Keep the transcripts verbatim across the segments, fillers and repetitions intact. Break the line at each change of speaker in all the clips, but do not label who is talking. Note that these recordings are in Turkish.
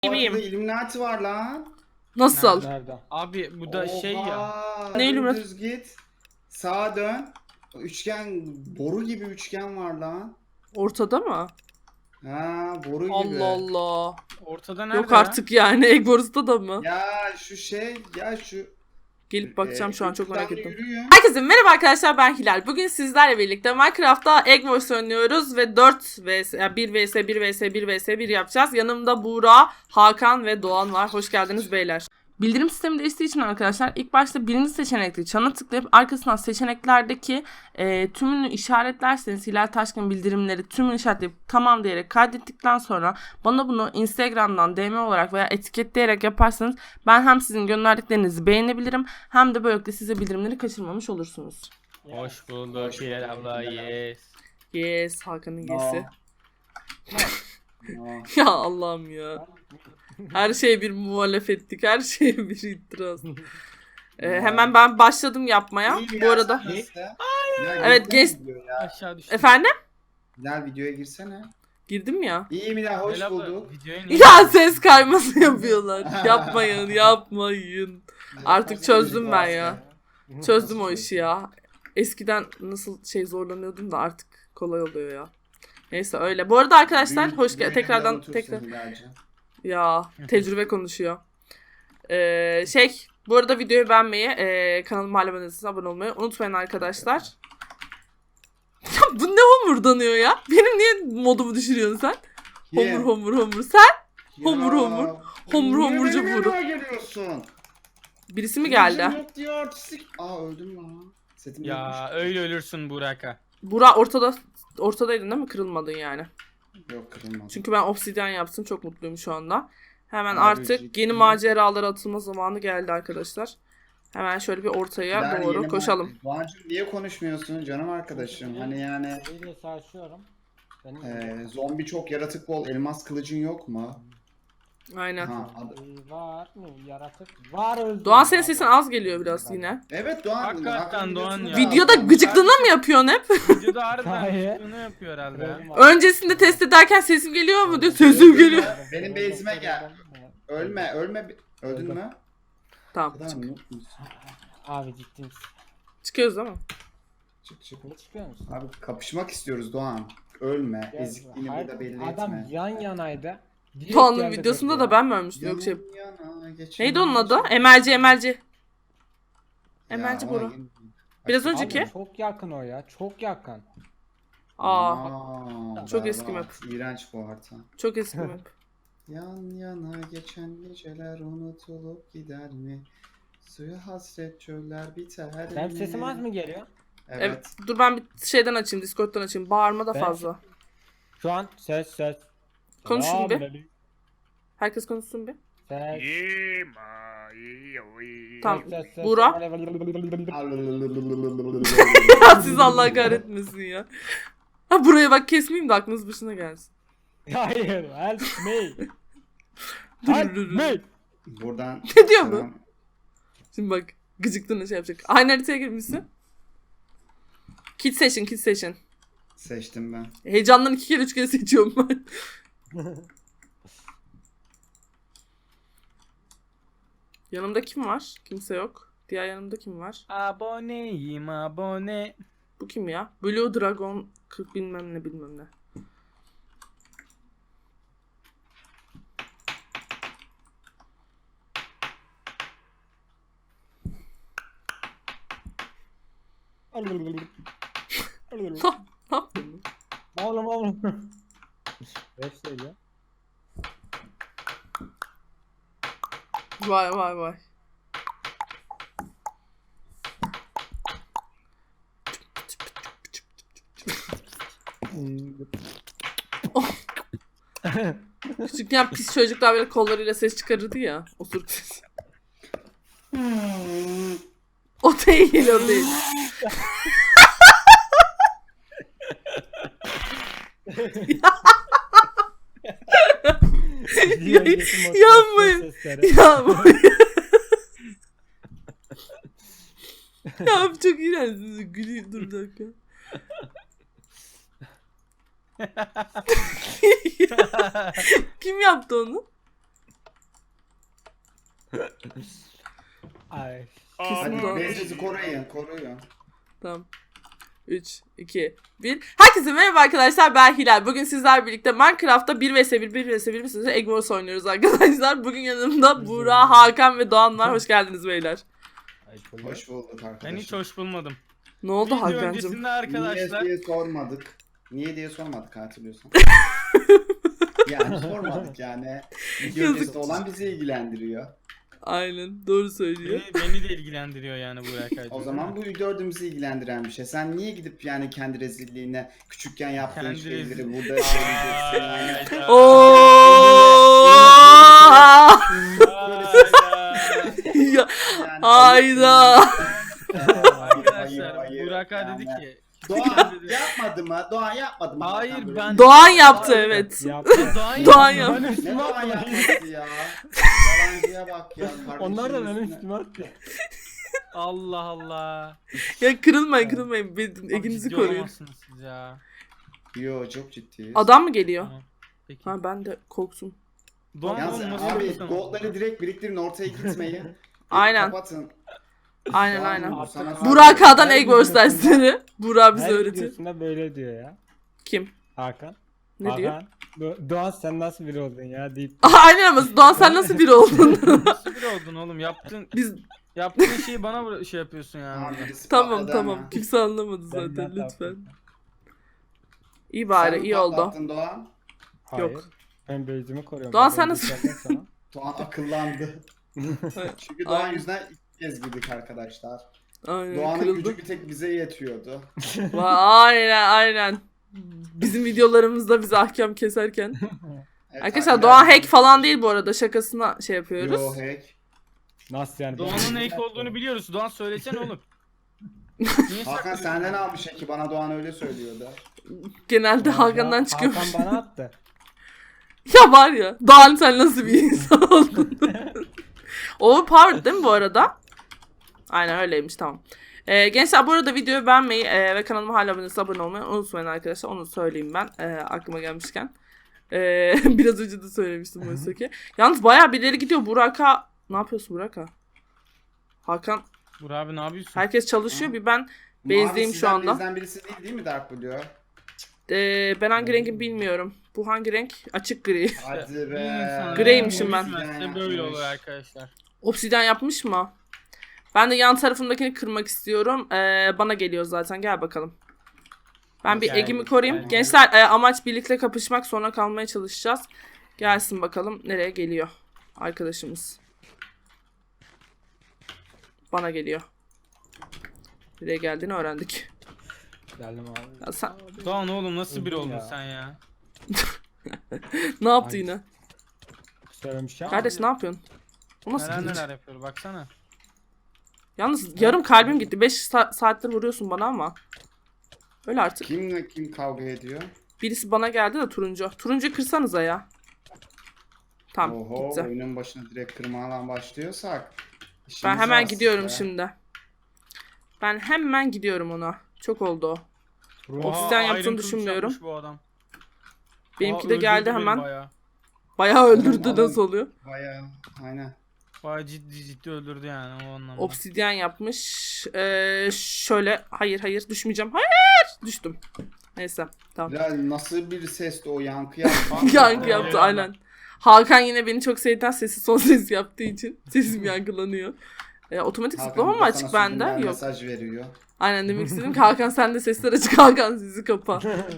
Gibiyim.
Orada Illuminati var lan.
Nasıl?
Nerede?
Abi bu da şey ya.
Oha,
Ne Illuminati?
Düz git. Sağa dön. Üçgen, boru gibi üçgen var lan.
Ortada mı?
Ha, boru gibi.
Allah Allah.
Ortada nerede
Yok
ya?
artık yani. Egbors'ta da mı?
Ya şu şey, ya şu.
Gelip bakacağım
e,
şu an çok merak
şuradan
ettim.
yürüyün.
Herkese merhaba arkadaşlar, ben Hilal. Bugün sizlerle birlikte Minecraft'ta Egg Wars oynuyoruz ve dört vs yani bir vs bir vs bir vs bir yapacağız. Yanımda Buğra, Hakan ve Doğan var. Hoş geldiniz beyler. Bildirim sistemi değiştiği için arkadaşlar ilk başta birinci seçenekli çana tıklayıp arkasından seçeneklerdeki e, tümünü işaretlerseniz Hilal Taşkın bildirimleri tümünü işaretleyip tamam diyerek kaydettikten sonra bana bunu Instagram'dan D M olarak veya etiketleyerek yaparsanız ben hem sizin gönderdiklerinizi beğenebilirim hem de böylelikle size bildirimleri kaçırmamış olursunuz.
Hoş bulduk Hilal abla, yes.
Yes, Hakan'ın
No.
yesi.
No.
Ya Allah'ım ya. Her şeye bir muhalefetlik, her şeye bir itiraz. Ee, hemen ben başladım yapmaya.
İyi mi
Bu
ya,
arada.
sen nasıl? Ya
Evet,
girsene
geç-
videoya ya.
Aşağı düştüm.
Efendim?
Hilal videoya girsene.
Girdim ya.
İyi mi ya, hoş
Hilal abla,
bulduk.
videoya niye-
Ya ses kayması yapıyorlar. Yapmayın, yapmayın. Artık çözdüm ben ya. Çözdüm o işi ya. Eskiden nasıl şey zorlanıyordum da artık kolay oluyor ya. Neyse öyle. Bu arada arkadaşlar
Büyük-
hoş
büyük
geldin. Tekrardan
unutursun
tekrar.
Hilal'cim.
Ya tecrübe konuşuyor. Ee, şey bu arada videoyu beğenmeyi, e, kanalıma hala abone değilseniz abone olmayı unutmayın arkadaşlar. Ya bu ne homurdanıyor ya? Benim niye modumu düşürüyorsun sen?
Ye.
Homur homur homur. Sen Homur,
Ya,
homur. Homur,
niye
homurcu
benim
vuru.
yanıma geliyorsun?
birisi mi
Kılıcım
geldi?
yok diyor, artistik. Aa, öldüm lan. Setim
Ya
yokmuş.
öyle ölürsün Burak'a.
Bura ortada ortadaydın değil mi? Kırılmadın yani.
Yok, kırılmadı.
Çünkü ben obsidyen yaptım. Çok mutluyum şu anda. Hemen
Abi,
artık
ciddi.
yeni maceralara atılma zamanı geldi arkadaşlar. Hemen şöyle bir ortaya
Yani
doğru
yeni
koşalım.
ma- Doğancığım, niye konuşmuyorsun canım arkadaşım? Hani yani
Eliyle savaşıyorum. Benim
e, zombi çok, yaratık bol, elmas kılıcın yok mu?
Aynen.
Ha, ad-
Ee, var mı yaratık? Var öldü.
Doğan senin sesin az geliyor biraz yine.
evet Doğan.
Hakikaten
Hakan
Doğan
biliyorsun
ya.
da-
Videoda gıcıklığına mı yapıyorsun hep?
Videoda harbiden
Hayır.
bunu yapıyor herhalde ya.
Öncesinde test ederken sesim geliyor mu diyor. Sesim geliyor.
Benim base'ime gel. Ölme, ölme. Öldün mü?
Tamam
Kadar
çık.
noob musun?
Abi ciddi misin?
Çıkıyoruz değil mi?
Çık çık.
Ne çıkıyor musun?
Abi kapışmak istiyoruz Doğan. Ölme.
Ya,
Ezikliğini
hayır,
burada belli
Adam
etme.
yan yanaydı. Direkt
Doğan'ın
yerde
videosunda
durdu
da
ya.
ben mi ölmüştüm? Yok şey.
Yan yana geçen-
Neydi onun adı? Emelci Emelci.
Ya,
Emelci
ona
Bora.
gir-
Biraz
Bak-
önceki.
Abi çok yakın o ya. Çok yakın.
Aa,
Aa,
çok
berbat.
eski map.
İğrenç bu harita.
çok eski map.
Yan yana geçen geceler unutulup gider mi? Suya hasret çöller biter mi?
Benim sesim az mı geliyor?
Evet.
Evet. Dur ben bir şeyden açayım, Discord'dan açayım. Bağırma da
Ben-
fazla.
Şu an ses ses.
Konuşun bir.
Selamünaleyküm.
Herkes konuşsun bir.
Ses.
Tamam.
Ses, ses, ses.
Buğra. Ya siz Allah kahretmesin ya. Ha buraya bak, kesmeyeyim de aklınız başına gelsin.
Hayır. Help me.
Dur,
Help
dur, dur.
me.
Buradan
Ne diyor bu?
selam.
Şimdi bak gıcıklığına şey yapacak. Aynı haritaya girmişsin. Kit seçin, kit seçin.
Seçtim ben.
Heyecandan iki kere üç kere seçiyorum ben. Yanımda kim var? Kimse yok. Diğer yanımda kim var?
Aboneyim abone.
Bu kim ya? Blue Dragon kırk bilmem ne bilmem ne. Ne yapıyorsun?
Oğlum oğlum. Beş şey ya.
Vay vay vay. Küçükken pis çocuklar böyle kollarıyla ses çıkarırdı ya. Osuruk sesi. O değil, o değil. Yanmayın. Ya bu ya bu çok iğrenç. Gülüyor, dur bir dakika. Kim yaptı onu?
Ay.
Kesin
Hadi
Doğan.
Beyza'yı koruyun, koruyun.
Tamam. üç, iki, bir. Herkese merhaba arkadaşlar, ben Hilal. Bugün sizlerle birlikte Minecraft'ta bir vs bir, bir vs bir vs Egg Wars oynuyoruz arkadaşlar. Bugün yanımda Buğra, Hakan ve Doğan var. Hoş geldiniz beyler.
Hoş bulduk arkadaşlar.
Ben hiç hoş bulmadım.
Ne oldu
Video
Hakan'cığım?
öncesinde
Niye
arkadaşlar.
diye sormadık. Niye diye sormadık hatırlıyorsan. Yani sormadık yani. Video
Yazık.
öncesinde olan bizi ilgilendiriyor.
Aynen, doğru söylüyor.
Beni, beni de ilgilendiriyor yani Burak Hacı.
O zaman bu dördümüzü ilgilendiren bir şey. Sen niye gidip yani kendi rezilliğine küçükken yaptığın
Kendi
şeyleri
rezil-
burada söyleyeceksin yani.
Hayda.
Oo!
Hayda.
Ya,
Yani
hayda.
Arkadaşlar
hayır,
Burak Hacı
yani.
dedi ki.
Doğan yapmadı mı? Doğan yapmadı mı?
Hayır,
Hakan böyle?
ben-
Doğan yaptı, evet.
Yaptı.
Doğan,
Doğan
yaptı.
yaptı.
Ben
Ne
üstüme
Doğan
atmayın.
yapması ya? Yalancıya bak ya. kardeşim
Onlar da benim
üstüne.
üstüme attı.
Allah Allah.
Ya kırılmayın, kırılmayın. Bir-
Abi
Eginizi
ciddi
koruyun.
olamazsınız siz ya.
Yo çok ciddiyiz.
Adam mı geliyor?
Tamam. Peki.
Ha, ben de korktum.
Doğan
Yalnız
oğlum nasıl
abi
yapıyorsun?
goldları direkt biriktirin ortaya gitmeyin.
Aynen.
Kapatın.
Aynen
Tamam,
aynen.
bu sana-
Burak A'dan
Her
Egg Wars
videosunda-
dersleri. Burak bize
Her
öğretiyor.
videosunda böyle diyor ya.
Kim?
Hakan.
Ne
Hakan,
diyor?
Do- Doğan sen nasıl biri oldun ya deyip.
Aha, aynen ama Doğan sen nasıl biri oldun?
Nasıl biri oldun oğlum? Yaptığın
Biz
yaptığın şeyi bana bıra- şey yapıyorsun yani.
Tamam, birisi
tamam
patladı
tamam.
ama.
Kimse anlamadı
Ben-
zaten
ben
lütfen.
yaptım.
İyi bari,
Sen mi
iyi oldu.
patlattın Doğan?
Hayır.
Yok.
Ben beyzimi koruyorum.
Doğan
Ben
sen nasıl-
beyzlerden sonra-
Doğan akıllandı. Çünkü Doğan
Aynen.
yüzünden ilk kez girdik arkadaşlar.
Aynen,
Doğan'ın
kırıldı.
gücü bir tek bize yetiyordu.
Va- Aynen aynen. Bizim videolarımızda bize ahkam keserken.
Evet,
Arkadaşlar Doğan hack falan değil bu arada. Şakasına şey yapıyoruz.
Yo hack.
Nasıl yani?
Doğan'ın
Ben-
hack olduğunu biliyoruz. Doğan söylesene oğlum. Niye
Hakan
saklıyorsun?
senden almış ki bana Doğan öyle söylüyordu.
Genelde
Ya,
Hakan'dan çıkıyor.
Hakan bana attı.
Ya var ya. Doğan sen nasıl bir insan oldun? Overpowered değil mi bu arada? Aynen öyleymiş, tamam. Ee, gençler bu arada videoyu beğenmeyi e, ve kanalıma hala abone, abone olmayı unutmayın arkadaşlar. Onu söyleyeyim ben e, aklıma gelmişken. E, biraz önce de söylemiştim oysa ki. Yalnız bayağı birileri gidiyor. Burak'a ne yapıyorsun Burak'a? Hakan,
Burak abi ne yapıyorsun?
herkes çalışıyor. Bir ben
Mavi
base'deyim şu
sizden
anda.
bizden birisi değil değil mi Dark Blue?
E, ben hangi rengim bilmiyorum. Bu hangi renk? Açık gri.
Hadi
Bir
be.
insan
Greymişim ben.
üzmezse böyle olur arkadaşlar.
Obsidyen yapmış mı? Ben de yan tarafımdakini kırmak istiyorum. Ee, bana geliyor zaten. Gel bakalım. Ben bir
Gel,
egimi koruyayım.
gel.
Gençler e, amaç birlikte kapışmak, sonra kalmaya çalışacağız. Gelsin bakalım nereye geliyor arkadaşımız. Bana geliyor. Nereye geldiğini öğrendik.
Geldim abi.
Ya sen
Doğan oğlum nasıl biri
Öldüm
oldun
ya.
sen ya?
ne yaptı
Ay.
yine?
Söylemiş ya.
Kardeş ne yapıyorsun? Bu nasıl
Neler
kılıç?
neler yapıyor baksana.
Yalnız yarım kalbim gitti. beş saattir vuruyorsun bana ama. Öyle artık.
Kimle kim kavga ediyor?
Birisi bana geldi de turuncu. Turuncu kırsanıza ya. Tamam
Oho
gitti.
oyunun başına direkt kırmadan başlıyorsak.
Ben
işimiz
hemen
var
gidiyorum
size.
şimdi. Ben hemen gidiyorum ona. Çok oldu o.
Ruh-
Obsidyen
Oha,
yaptığını
Iron Kılıç
düşünmüyorum.
yapmış bu adam.
Benimki
Aa,
de geldi
öldürdü beni
hemen.
Bayağı.
Bayağı öldürdü,
Adam-
nasıl oluyor?
Bayağı aynen.
Bayağı ciddi ciddi öldürdü yani o anlamda.
Obsidyen yapmış. Ee, şöyle. Hayır hayır düşmeyeceğim. Hayır. Düştüm. Neyse. Tamam.
Ya nasıl bir sesti o yankı yaptı.
Yankı
Aa,
yaptı
eyvallah.
aynen. Hakan yine beni çok sevdiğinden sesi son ses yaptığı için sesim yankılanıyor. Ee, otomatik
Hakan
zıplama mı
burada
açık
sana
bende?
subliminal
Yok.
mesaj veriyor.
Aynen demek istedim ki Hakan sen de sesler açık, Hakan sizi kapa.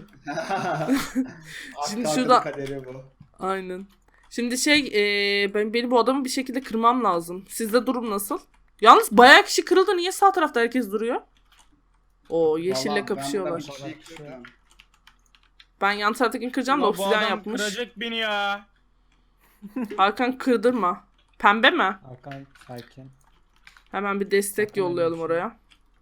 Şimdi
Şimdi
şurada-
kaderi bu.
Aynen. Şimdi şey e, ben benim bu adamı bir şekilde kırmam lazım. Sizde durum nasıl? Yalnız bayağı kişi kırıldı. Niye sağ tarafta herkes duruyor? O yeşille
Vallahi
kapışıyorlar.
Ben, burada bir şey kırdım.
Ben yan taraftakini kıracağım da
Ulan bu
obsidyen
adam
yapmış.
kıracak beni ya.
Hakan kırdırma. Pembe mi?
Hakan sakin.
Hemen bir destek
Hakan
yollayalım
öyle bir şey.
oraya.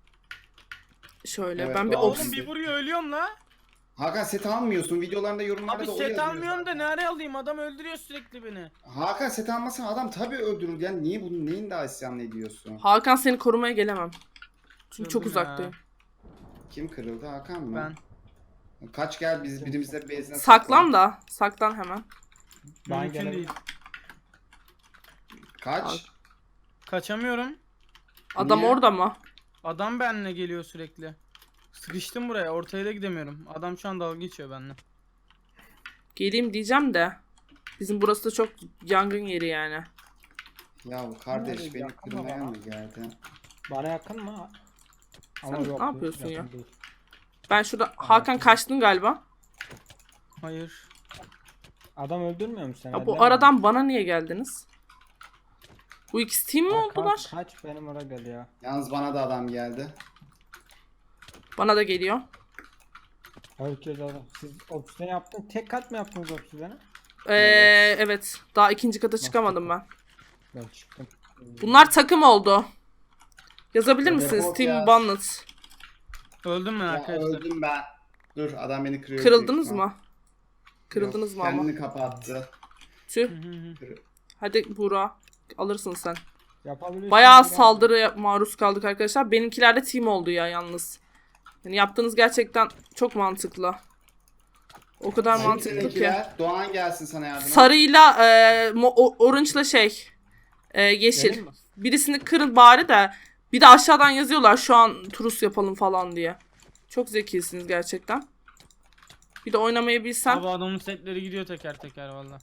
Şöyle
Evet,
ben bir
doğru.
Oğlum
obs
bir vuruyor ölüyorum la.
Hakan set almıyorsun. Videolarında yorumlarda
Abi
da o
set
yazıyor
almıyorum da
zaten.
ne ara alayım, adam öldürüyor sürekli beni.
Hakan set almasan adam tabii öldürür. Yani niye bunun neyin daha isyan ediyorsun?
Hakan seni korumaya gelemem. Çünkü çok
Kırdım ya.
uzaktayım.
Kim kırıldı Hakan mı?
Ben.
Kaç gel biz birimizde bezine
Saklan da. Saklan hemen.
Ben
Mümkün
gene-
değil.
Kaç?
Kaçamıyorum.
Adam
Niye?
orada mı?
Adam benimle geliyor sürekli. Sıkıştım buraya. Ortaya da gidemiyorum. Adam şu an dalga geçiyor benimle.
Geleyim diyeceğim de. Bizim burası da çok yangın yeri yani.
Ya bu kardeş
Nerede
beni
yakın
kırmaya
ama?
mı geldi?
Bana yakın mı?
Sen
Ama
ne
yok,
yapıyorsun
yakın
ya?
değil.
Ben şurada Hakan kaçtın galiba.
Hayır.
Adam öldürmüyor mu seni?
Ya bu
Elleme.
aradan bana niye geldiniz? Bu ikisi team mi
Ya
oldular?
Kaç, kaç benim oraya geliyor.
Yalnız bana da adam geldi.
Bana da geliyor.
Herkes adam. Siz obsidyen yaptın. Tek kat mı yaptınız obsidyeni?
Ee, evet. Daha ikinci kata çıkamadım ben.
Ben çıktım.
Bunlar takım oldu. Yazabilir
Evet,
misiniz?
yok
Team
ya.
Bonnet.
Öldüm ben
Ya
arkadaşlar.
öldüm ben. Dur adam beni kırıyor.
Kırıldınız
büyük ihtimal.
mı? Kırıldınız
Yok,
mı ama?
Kendini kapattı.
Tüh.
Hı hı hı.
Hadi Buğra. Alırsın sen.
Yapabilirsin.
Bayağı
biraz.
saldırıya maruz kaldık arkadaşlar. Benimkiler de team oldu ya yalnız. Yani yaptığınız gerçekten çok mantıklı. O kadar
Kim
mantıklı ki.
seninkiler? Doğan gelsin sana yardıma.
Sarıyla e, mo- o- orange'la şey e, yeşil.
Gelin mi?
Birisini kırın bari de bir de aşağıdan yazıyorlar şu an turus yapalım falan diye. Çok zekisiniz gerçekten. Bir de oynamayı bilsen.
Abi adamın setleri gidiyor teker teker valla.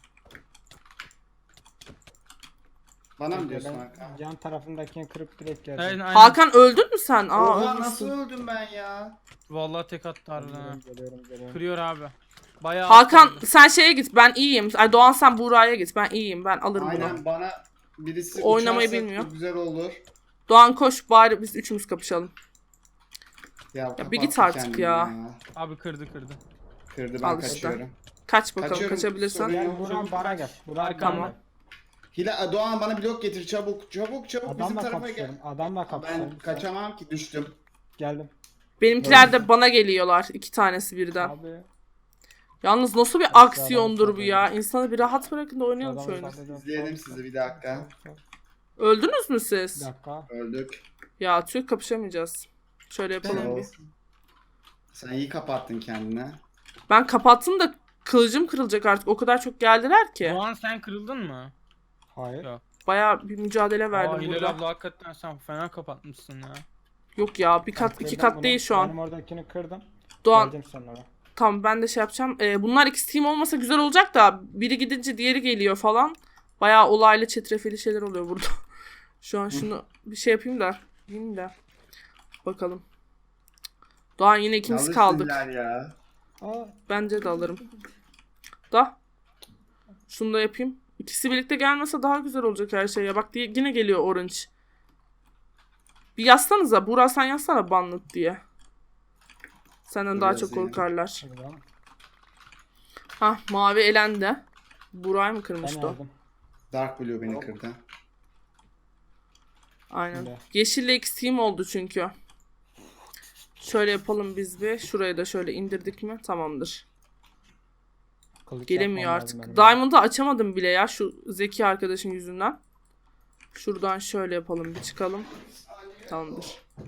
Bana mı
Ben
diyorsun Hakan?
yan tarafındakini kırıp direkt geldim.
Aynen, aynen.
Hakan öldün mü sen? Aa,
Oha
ölmüşsün.
nasıl öldüm ben ya?
Vallahi tek attı harbiden ha.
Geliyorum, geliyorum, geliyorum.
Kırıyor abi. Bayağı
Hakan
attı.
sen şeye git, ben iyiyim. Ay Doğan sen Buğra'ya git, ben iyiyim, ben alırım bunu.
Aynen bana birisi
Oynamayı
uçarsa
bilmiyor.
çok güzel olur.
Doğan koş bari biz üçümüz kapışalım.
Ya,
bir git
kapattı
artık
kendini
ya.
Abi kırdı kırdı.
Kırdı ben
Al işte.
kaçıyorum.
Kaç bakalım,
Kaçıyorum,
kaçabilirsen.
sorun yok.
Gel Buran bara gel. Buran
Arkamda.
bara.
Hila Doğan bana blok getir çabuk çabuk çabuk bizim
Adamla
tarafa gel.
kapışıyorum. Adamla kapışıyorum.
Ben kaçamam ki düştüm.
Geldim.
Benimkiler de bana geliyorlar. İki tanesi birden.
Abi.
Yalnız nasıl bir
Aşağıdan
aksiyondur bu ya.
saldırıyor.
İnsanı bir rahat bırakın da oynayalım
adamı
şöyle.
saldıracağım.
İzleyelim sizi bir dakika.
Öldünüz mü
Bir
siz?
dakika.
Öldük.
Ya tüh kapışamayacağız. Şöyle yapalım bir.
Olsun. Sen iyi kapattın kendine.
Ben kapattım da kılıcım kırılacak artık. O kadar çok geldiler ki.
Doğan sen kırıldın mı?
Hayır.
Yok.
Bayağı bir mücadele
Aa
verdim
Hilal
burada.
abla hakikaten sen fena kapatmışsın ya.
Yok ya bir kat
Ben
iki
kırdım
kat
bunu.
değil şu an.
Benim oradakini kırdım.
Doğan
Geldim sonra.
tamam ben de şey yapacağım. Ee, bunlar ikisi team olmasa güzel olacak da biri gidince diğeri geliyor falan. Bayağı olaylı çetrefilli şeyler oluyor burada. Şu an şunu bir şey yapayım da. Yiyeyim de. Bakalım. Doğan yine ikimiz
Yalnız
kaldık.
sizler Ya.
Aa,
Bence de alırım. Da. Şunu da yapayım. İkisi birlikte gelmese daha güzel olacak her şey ya. Bak diye yine geliyor orange. Bir yazsanıza. Buğra sen yazsana banlık diye. Senden
Dur
daha çok
yazayım.
korkarlar.
hadi lan.
Hah mavi elendi. Buğra'yı mı
Ben
kırmıştı o?
aldım.
Dark Blue beni kırdı.
Aynen.
Şimdi.
Yeşille X team oldu çünkü. Şöyle yapalım biz bir. Şurayı da şöyle indirdik mi? Tamamdır.
Kılıç
Gelemiyor
yapmam
artık.
lazım benim.
Diamond'ı açamadım bile ya şu zeki arkadaşın yüzünden. Şuradan şöyle yapalım bir çıkalım. Tamamdır.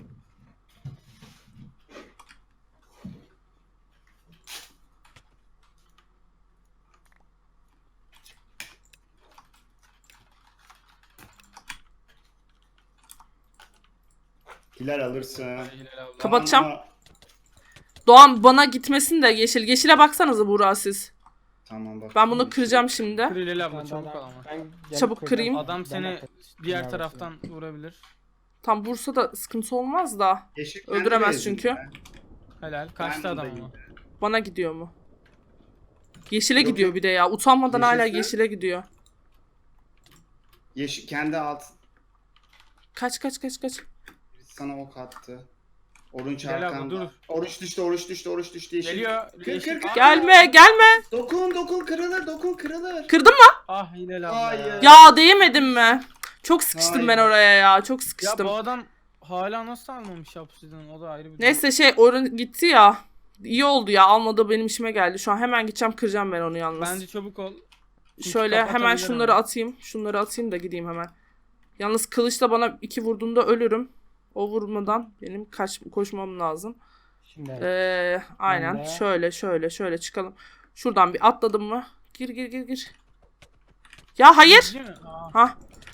Hilal alırsın.
Hilal abla.
Kapatacağım.
Ama-
Doğan bana gitmesin de yeşil. Yeşile baksanıza Buğra siz.
Tamam bak.
Ben bunu kıracağım şimdi.
Kır Hilal abla
Ben-
çabuk
ben-
al ama.
ben gelip
Çabuk
kıracağım.
kırayım.
Adam
Ben
seni
yapayım.
diğer
Ben
taraftan vurabilir.
Tam Bursa'da sıkıntı olmaz da.
Yeşil
Öldüremez
kendi
çünkü.
bezinde.
Helal. Kaçtı
Ben
adam
buradayım.
ama.
Bana gidiyor mu? Yeşile
Yok,
gidiyor
yok.
bir de ya. Utanmadan hala
Yeşilse-
yeşile gidiyor.
Yeşil kendi alt.
Kaç kaç kaç kaç.
Birisi sana ok attı. Oruç
Gel abla,
arkanda.
dur.
Oruç düştü, oruç düştü, oruç düştü. Yeşil.
Geliyor.
Kır,
Yeşil-
kır, kır.
Ah,
Gelme gelme.
Dokun, dokun kırılır, dokun kırılır.
Kırdın mı?
Ah Hilal abla.
Hayır.
Ya değmedim mi? Çok sıkıştım
Hayır.
ben oraya ya. Çok
Ya
sıkıştım.
bu adam hala nasıl almamış yapsıdan o da ayrı bir
Neyse şey orun gitti ya. İyi oldu ya. Almadı benim işime geldi. Şu an hemen gideceğim kıracağım ben onu yalnız.
Bence çabuk ol. Çünkü
Şöyle hemen
kapatabilir
şunları
ama.
atayım. Şunları atayım da gideyim hemen. Yalnız kılıçla bana iki vurduğunda ölürüm. O vurmadan benim kaç koşmam lazım.
Şimdi
Ee, aynen.
Ben de-
Şöyle şöyle şöyle çıkalım. Şuradan bir atladım mı? Gir gir gir gir. Ya hayır.
Değil mi? Aa,
Ha.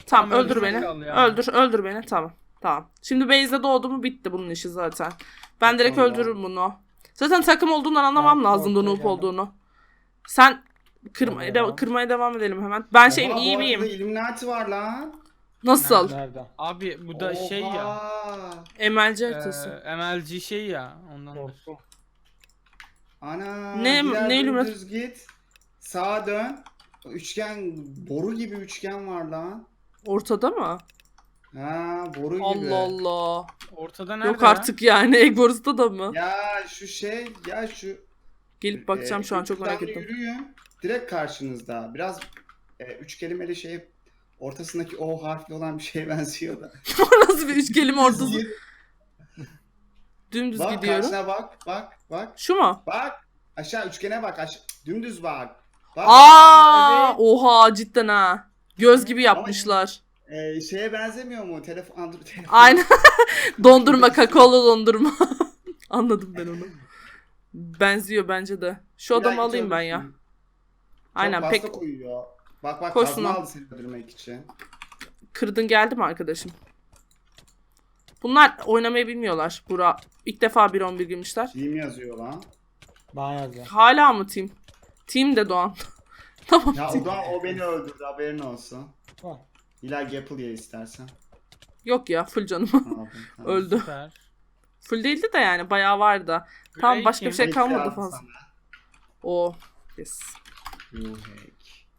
Tamam,
Tamam,
öldür
öldürmek
beni.
kaldı ya.
Öldür öldür beni. Tamam. Tamam. Şimdi base'de doğdu mu bitti bunun işi zaten. Ben direkt
Tamam.
öldürürüm bunu. Zaten takım olduğundan anlamam
Ben
lazımdı
ortaya
noob
geldim.
olduğunu. Sen kırmaya,
Oraya
de-
devam.
kırmaya devam edelim hemen. Ben şeyim
Oha,
iyi
bu
miyim?
arada Illuminati var lan.
Nasıl?
Nerede?
Abi bu da şey ya.
Oha.
M L C
E,
haritası.
M L G şey ya. Ondan.
Korktum.
Ana.
Ne-
biraz
ne Illuminati?
dümdüz git. Sağa dön. Üçgen, boru gibi üçgen var lan.
Ortada mı?
Ha, boru gibi.
Allah Allah.
Ortada nerede
Yok
ya?
artık yani. Egbors'ta da mı?
Ya şu şey, ya şu
Gelip bakacağım
e,
şu an, çok merak
üçgenle
ettim.
Yürüyün. Direkt karşınızda. Biraz e, üç kelimeli şey, ortasındaki O harfli olan bir şeye benziyor da.
Nasıl bir üç kelime ortası?
Git.
Dümdüz
Bak
gidiyorum.
karşına bak, bak, bak,
Şu mu?
bak. Aşağı üçgene bak, aşağı. Dümdüz bak. Bak.
Aa,
Evet.
oha cidden ha. Göz gibi yapmışlar.
E, şeye benzemiyor mu? Telefon, Android telefon.
Aynen. Dondurma, kakaolu dondurma. Anladım ben onu. Benziyor bence de. Şu adamı
İlla
alayım ben ya.
gidiyorsun.
Aynen,
Çok
pek
pek koyuyor. Bak bak,
Koşsun
kazma
o.
aldı seni öldürmek için.
kırdın geldi mi arkadaşım? Bunlar oynamayı bilmiyorlar. Bura ilk defa bir on bir girmişler.
Team yazıyor lan.
Bana yazdı.
Hala mı team? Team de Doğan. Tamam.
Ya
team.
o da o beni öldürdü, haberin olsun.
Bak.
İlla Gapple ye istersen.
Yok ya, full canım.
Tamam, tamam.
Öldü.
Süper.
Full değildi de yani bayağı vardı. Tamam,
Breaking.
başka bir şey
Hack
kalmadı
lazım
fazla.
sana.
O. Yes.
You hack.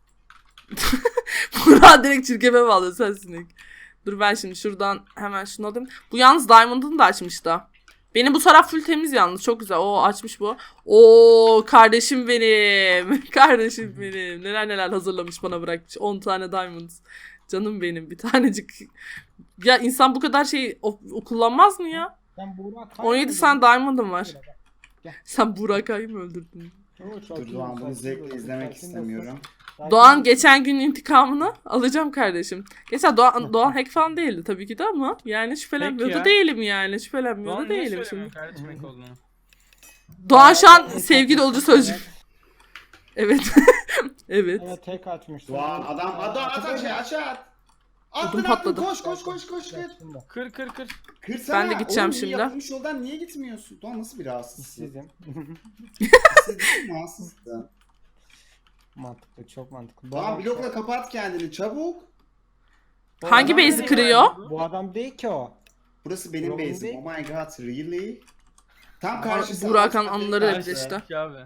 Burak direkt çirkefe bağlı sensin. Dur ben şimdi şuradan hemen şunu alayım. Bu yalnız Diamond'ını da açmış da. Benim bu taraf full temiz yalnız. Çok güzel. Oo, açmış bu. Oo, kardeşim benim. Kardeşim benim. Neler neler hazırlamış, bana bırakmış. on tane Diamond. Canım benim bir tanecik. Ya insan bu kadar şey o, o kullanmaz mı ya?
Ben Burak
on yedi tane Diamond'ım var.
Gel.
Sen Burak Ay'ı mı öldürdün?
Dur Doğan, bunu zevkle izlemek istemiyorum.
Doğan geçen gün intikamını alacağım kardeşim. Geçen Doğan, Doğan hack falan değildi tabii ki de ama yani şüphelenmiyor
Hack
da
ya.
değilim yani. Şüphelenmiyor
Doğan
da
niye
değilim
söylemiyor
şimdi.
kardeşim hack olduğunu?
Doğan şu an sevgi dolucu sözcük. Evet. Evet.
Evet, tek açmıştım.
Doğan adam adam at aşağı aşağı at. Attın
Ödüm
attın,
patladı.
koş koş koş koş kır.
Kır kır kır.
Kırsana.
Ben de gideceğim
Oğlum, iyi
şimdi.
yapılmış yoldan niye gitmiyorsun? Doğan nasıl bir rahatsızsın?
Sizin.
Siz değil mi rahatsızsın?
Mantıklı, çok mantıklı. Bu
Doğan
adam-
blokla kapat kendini çabuk.
Bu
Hangi
adam
base'i
değil
kırıyor?
mi? Bu adam değil ki o.
Burası benim
Doğan
base'im.
değil.
Oh my god, really? Tam karşısı.
Burak'ın
Alt
anıları
katı-
hep işte.
Ki abi.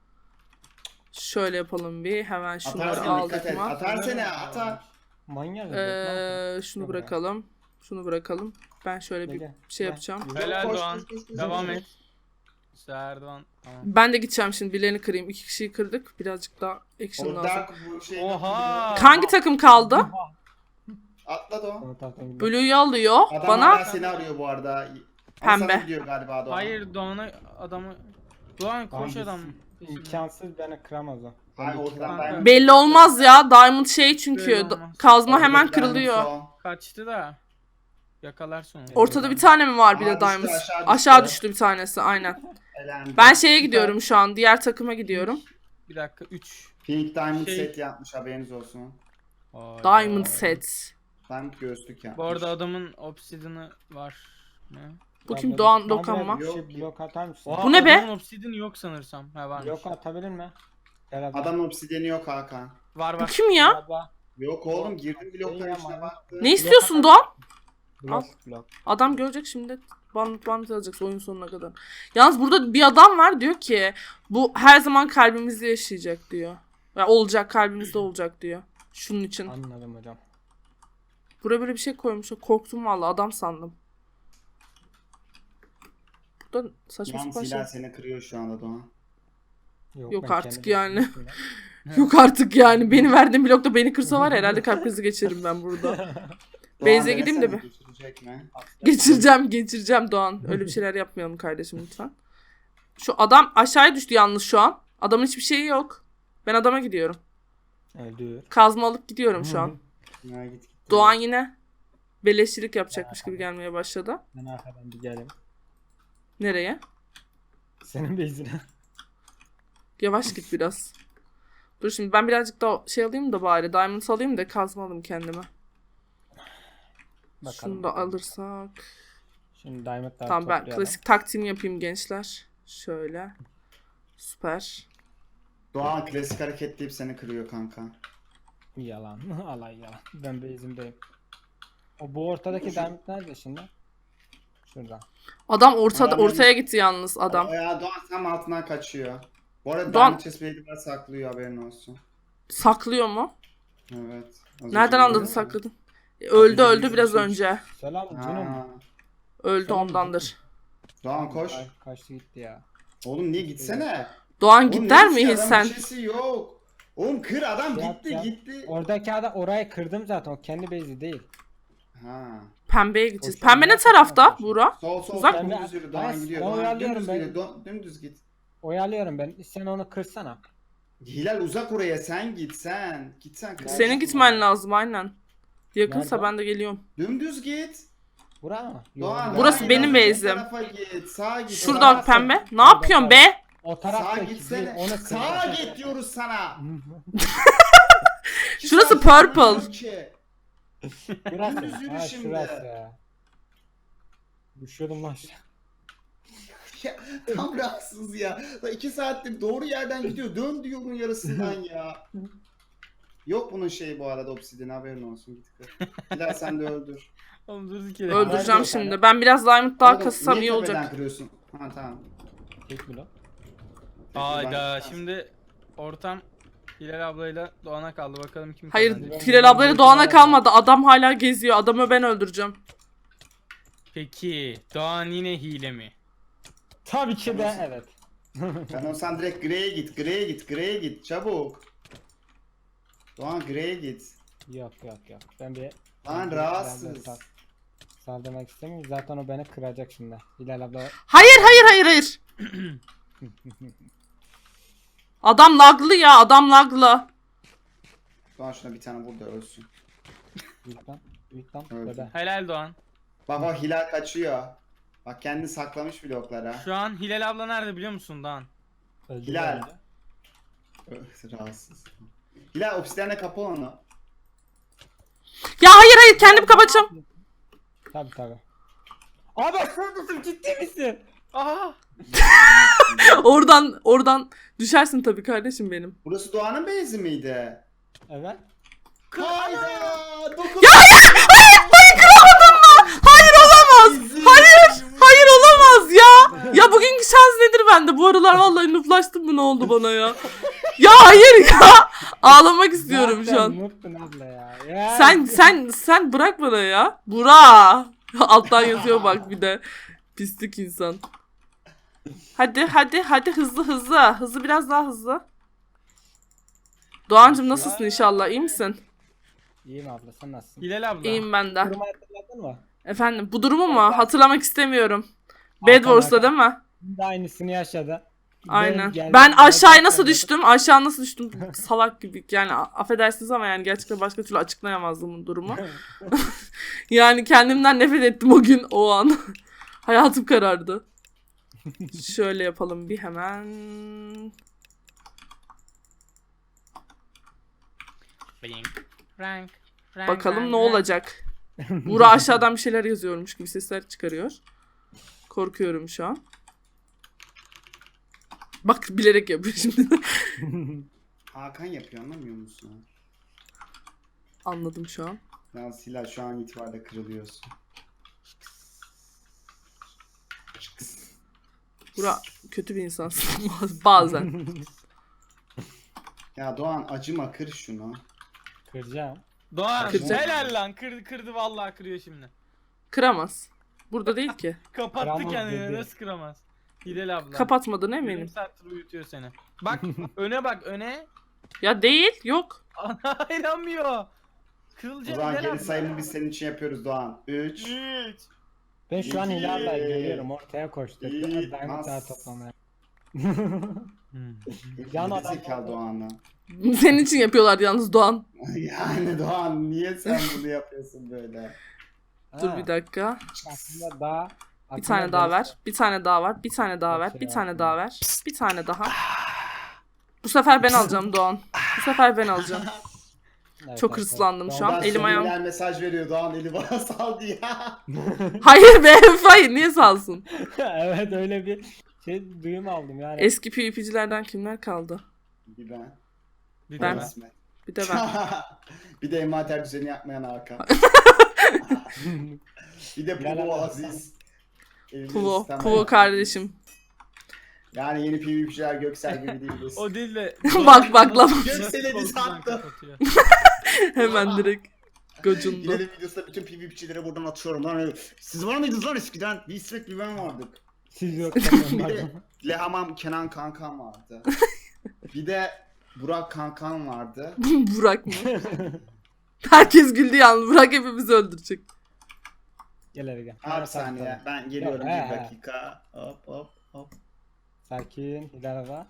Şöyle yapalım bir. Hemen şunları
Atarsana, dikkat
aldık
et.
mı?
Atarsana atar.
Manyak.
Ee, şunu bırakalım. Şunu bırakalım. Ben şöyle bir
Gel,
şey
gel.
yapacağım.
Helal
Koş,
Doğan.
koş, koş, koş,
Devam
koş.
et. Erdoğan. Tamam.
Ben de gideceğim şimdi. Birilerini kırayım. İki kişiyi kırdık. Birazcık daha action
O
lazım.
dark bu şey.
Oha.
Hangi takım kaldı?
Atla Doğan.
Blue'yu alıyor.
Adam
Bana
hala seni arıyor bu arada. Ama
Pembe.
sana gidiyor galiba Doğan.
Hayır Doğan'a adamı. Doğan koş
Hangisi?
adam.
İmkansız, beni kıramaz o.
Hayır, ortadan
Kanka.
ben-
belli olmaz ya. Diamond şey çünkü.
Belli
da-
olmaz.
Kazma hemen
Oradaki diamond
kırılıyor.
son.
Kaçtı da. Yakalarsın onu.
Ortada bir tane mi var bir
Aa,
de
düştü,
Diamond?
aşağı düştü.
Aşağı düştü bir tanesi aynen.
Elendi.
Ben şeye gidiyorum şu an. Diğer takıma gidiyorum.
Bir dakika üç.
Pink Diamond
Şey-
set yapmış, haberiniz olsun.
Diamond set.
Diamond göğüslük yapmış.
Bu arada adamın obsidian'ı var. Ne?
Bu kim? Doğan Dokanma.
Bir
Yok,
şey blok atar mısın?
Oha,
Bu ne be?
adamın obsidian'ı yok sanırsam. Ha varmış.
Blok atabilir mi? Gel adam.
Adamın obsidiyeni yok Hakan.
Var
Bu
var.
kim ya?
Abla,
Yok oğlum, girdim
Şey
blokların
ama-
içine baktı.
Ne istiyorsun Doğan?
Blok, blok.
Adam görecek şimdi. Banlık banlık alacak oyun sonuna kadar. Yalnız burada bir adam var diyor ki bu her zaman kalbimizde yaşayacak diyor. Ya olacak, kalbimizde olacak diyor. Şunun için.
Anladım hocam.
Buraya böyle bir şey koymuş. Korktum vallahi, adam sandım. Burada saçma
Yalnız
sapan şey.
Hilal seni kırıyor şu anda Doğan.
Yok
ben
artık
kendi
yani.
blokum üstünde.
Yok artık yani. Beni verdiğin blokta beni kırsa var ya, herhalde kalp krizi geçiririm ben burada.
Doğan
Beyze gideyim de
denesene,
bir.
geçirecek mi?
Geçireceğim, geçireceğim Doğan. Öyle bir şeyler yapmayalım kardeşim lütfen. Şu adam aşağıya düştü yalnız şu an. Adamın hiçbir şeyi yok. Ben adama gidiyorum.
Öldür.
Kazma alıp gidiyorum şu an.
Ya git git.
Doğan yine beleşçilik yapacakmış gibi gelmeye başladı.
Ben arkadan bir gelim.
Nereye?
Senin bezine.
Yavaş git biraz. Dur şimdi ben birazcık daha şey alayım da bari. Diamond alayım da kazma alayım kendime.
Bakalım.
Şunu da alırsak.
Şimdi diamondları
Tamam, ben
toplayalım.
klasik taktiğimi yapayım gençler. Şöyle. Süper.
Doğan klasik hareket deyip seni kırıyor kanka.
Yalan. Alay yalan. Ben base'imdeyim. O bu ortadaki diamond nerede şimdi? Şurada.
Adam ortada
Adam
ortaya gitti yalnız adam.
Ya Doğan tam altından kaçıyor. Bu arada
Doğan-
Diamond Chest Plate'i var saklıyor, haberin olsun.
Saklıyor mu?
Evet. Az
Nereden
önce
anladın
görüyor musun?
sakladın? E, Öldü
önce
öldü
bizim
biraz
için-
önce.
Selam canım.
Ha.
Öldü
Tamam,
ondandır.
Doğan koş.
Ay, kaçtı gitti ya.
Oğlum niye gitsene?
Doğan
Oğlum
gider
ne
miyiz
adamın
sen?
bir şeysi yok. Oğlum kır adam
Yap,
gitti
yap.
gitti.
Oradaki adam orayı kırdım zaten. O kendi base'i değil.
Ha.
Pembeye gideceğiz.
Koşuyor,
Pembe ne
gerçekten
tarafta
koşuyor.
Buğra?
Sol sol
Uzak
sol
mı?
dümdüz yürü.
Ben-
Doğan gidiyor.
ben
Doğan
uyalıyorum
dümdüz
ben.
gidiyor. Dön- Dümdüz git.
Oyalıyorum ben. Sen onu kırsana.
Hilal uzak oraya, sen git sen. Git sen. kır.
Senin gitmen lazım aynen. Yakınsa
Nerede?
ben de geliyorum.
Dümdüz git.
Bura mı?
Doğan.
Yok,
Burası
Doğan,
benim
ileride,
base'im.
bu tarafa git. Sağa git.
Şurada
sağa-
bak pembe. Ne
Orada,
yapıyorsun
orada.
be?
O
Sağa
taraftaki
gitsene.
değil, onu
Sağa
kırdım.
git diyoruz sana. İki
Şurası
saat
purple.
yürüyorum ki.
Burası.
Dümdüz yürü
Ha
şimdi.
şurası ya. Düşüyordum lan aşağı.
Ya, tam rahatsız ya. Lan iki saattir doğru yerden gidiyor. Dön diyorum yarısından ya. Yok bunun şeyi bu arada, obsidyen, haberin olsun. Git kır. Hilal sen de öldür.
Oğlum dur iki
Öldüreceğim
Nerede?
şimdi. Ben biraz diamond daha
Oğlum,
kassam
niye
iyi
tepeden
olacak.
kırıyorsun? Ha tamam.
Tek mi lan?
Hayda
Ben-
şimdi ortam Hilal ablayla Doğan'a kaldı. Bakalım kim
Hayır,
kazanacak.
Hilal ablayla Doğan'a kalmadı. Adam hala geziyor. Adamı ben öldüreceğim.
Peki Doğan yine hile mi?
Tabii ki de evet.
Sen olsan direkt Grey'e git. Grey'e git. Grey'e git. Çabuk. Doğan Grey'e git.
Yok yok yok. Ben bir...
Lan
bir-
rahatsız.
sal- Saldırmak istemiyorum. Zaten o beni kıracak şimdi. Hilal abla...
Hayır hayır hayır hayır. Adam laglı ya, adam laglı.
Doğan şuna bir tane vur da ölsün.
Büyük lan. Büyük lan.
Öldü.
Bebe.
Helal Doğan.
Bak o Hilal kaçıyor. Bak kendini saklamış bloklara.
Şu an Hilal abla nerede biliyor musun Doğan?
Öldü
Hilal.
bence.
Öh, rahatsız. Hilal obsidyenle kapı onu.
Ya hayır hayır kendim kapatacağım.
Tabii tabii. Abi şuradasın, ciddi misin?
Aha!
Oradan oradan düşersin tabii kardeşim benim.
Burası Doğan'ın base'i miydi?
Evet.
Hayda! Dokun.
Ya hayır hayır hayır kıramadım mı? Hayır olamaz. Hayır hayır olamaz ya. Ya bugünkü şans nedir bende? Bu aralar vallahi nuflaştım mı, ne oldu bana ya? Ya hayır ya. Ağlamak istiyorum şu an.
Muttun abla ya. ya.
Sen sen sen bırak bana ya. Bura. Alttan yazıyor bak bir de. Pislik insan. Hadi hadi hadi hızlı hızlı. Hızlı biraz daha hızlı. Doğancım nasılsın inşallah? İyi misin?
İyiyim abla, sen nasılsın?
Hilal abla.
İyiyim ben de.
Durumu hatırladın mı?
Efendim bu durumu mu? Hatırlamak istemiyorum. Bed Wars'ta değil mi?
Şimdi aynısını yaşadı.
Aynen.
Benim geldiğim
Ben
yerden
aşağıya nasıl
söyledim.
düştüm? Aşağı nasıl düştüm? Salak gibi. Yani a- affedersiniz ama yani gerçekten başka türlü açıklayamazdım bu durumu. Yani kendimden nefret ettim o gün, o an. Hayatım karardı. Şöyle yapalım bir hemen.
Rank, rank, rank,
Bakalım
rank,
ne
rank.
olacak. Buğra aşağıdan bir şeyler yazıyormuş gibi sesler çıkarıyor. Korkuyorum şu an. Bak bilerek yapıyor şimdi.
Hakan yapıyor, anlamıyor musun?
Anladım şu an.
Yalnız Hilal şu an itibariyle kırılıyorsun.
Buğra kötü bir insansın bazen.
Ya Doğan acıma, kır şunu.
Kıracağım.
Doğan
Kıracak.
helal lan kırdı kırdı vallahi kırıyor şimdi.
Kıramaz. Burada değil ki.
Kapattı
Kıramaz
kendini
dedi.
nasıl kıramaz? Hilal abla.
Kapatmadın
Yarım
eminim.
saattir uyutuyor seni. Bak öne bak öne.
Ya değil, yok.
Ana inanmıyor.
O
Kırılacak
zaman
Hilal
geri
abla.
sayımı biz senin için yapıyoruz Doğan. üç.
Üç.
Ben şu an
İyi.
Hilal ablayı görüyorum, ortaya koştu.
İyi.
Diamondlar
Nas.
toplamaya.
Yan
Yan adam-
zekalı Doğan'la.
Senin için yapıyorlar yalnız Doğan.
Yani Doğan niye sen bunu yapıyorsun böyle?
Dur
Ha,
bir dakika.
aslında daha...
Bir tane daha ver. Bir tane daha var. Bir tane daha ver. Bir tane daha ver. Bir tane daha. Bu sefer ben alacağım Doğan. Bu sefer ben alacağım.
Evet,
Çok
evet,
hırslandım
evet.
şu an.
Doğan
Elim ayağım.
subliminal mesaj veriyor. Doğan eli bana saldı ya.
Hayır be, hayır, niye salsın?
Evet, öyle bir şey duyum aldım yani.
Eski PvP'cilerden kimler kaldı?
Bir ben.
Bir
Ben-
de ben.
İsmet.
Bir de ben.
Bir de envanter düzeni yapmayan Hakan. Bir de
Gel
Pulo
abi.
Aziz. Evde
Kuvo,
istemem.
Kuvo kardeşim.
Yani yeni PvP'ciler Göksel gibi değiliz.
O değil de.
Bak, bak lan.
Göksel'e diz
Korkudan
attı.
kapatıyor.
Hemen direkt gocundu.
Gidelim videosunda bütün PvP'cilere buradan atıyorum. Lan, siz var mıydınız lan eskiden? Bir İsmet bir ben vardık.
Siz yok.
Bir de Lehamam Kenan Kankan vardı. Bir de Burak Kankan vardı.
Burak mı? Herkes güldü yalnız. Burak hepimizi öldürecek.
Gel hele gel.
Abi bir saniye ben geliyorum
Yok,
bir
he, he.
dakika. Hop hop hop.
Sakin. İleride.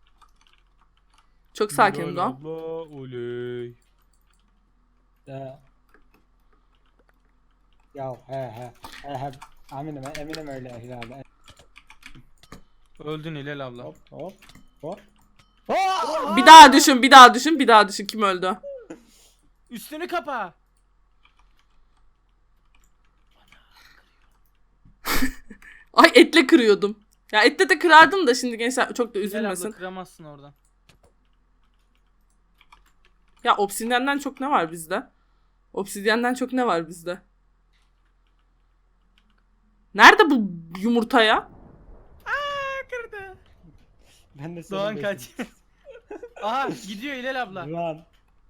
Çok sakinim Doğan.
Abla, oley.
De. Ya he he. He he. Eminim eminim öyle herhalde.
Öldün Hilal abla.
Hop hop hop.
Bir daha düşün, bir daha düşün, bir daha düşün. Kim öldü?
Üstünü kapa.
Ay, etle kırıyordum. Ya etle de kırardım da şimdi gençler çok da
Hilal
üzülmesin.
abla kıramazsın oradan.
Ya obsidiyenden çok ne var bizde? Obsidiyenden çok ne var bizde? Nerede bu yumurta ya?
Kırdı.
Ben de seni
Doğan
bekliyorum.
kaç. Aha gidiyor Hilal abla.
Lan.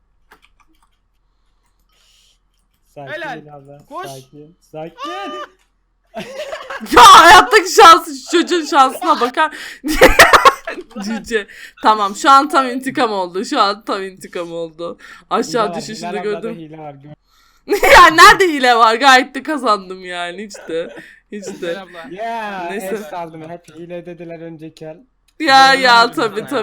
Sakin
Helal.
abla.
Koş.
Sakin. Sakin.
Ya hayattaki şansı, şu çocuğun şansına bakar. Cüce. Tamam, şu an tam intikam oldu. Şu an tam intikam oldu. Aşağı
Hile var,
düşüşünü
Hilal ablada
gördüm.
hile var. Gör-
Ya nerede hile var? Gayet de kazandım yani. Hiç de. Hiç
Hilal
de.
abla.
Ya
Neyse.
es aldım. Hep hile dediler önceki el.
Ya ya
Bilmiyorum
tabii
ya.
tabii.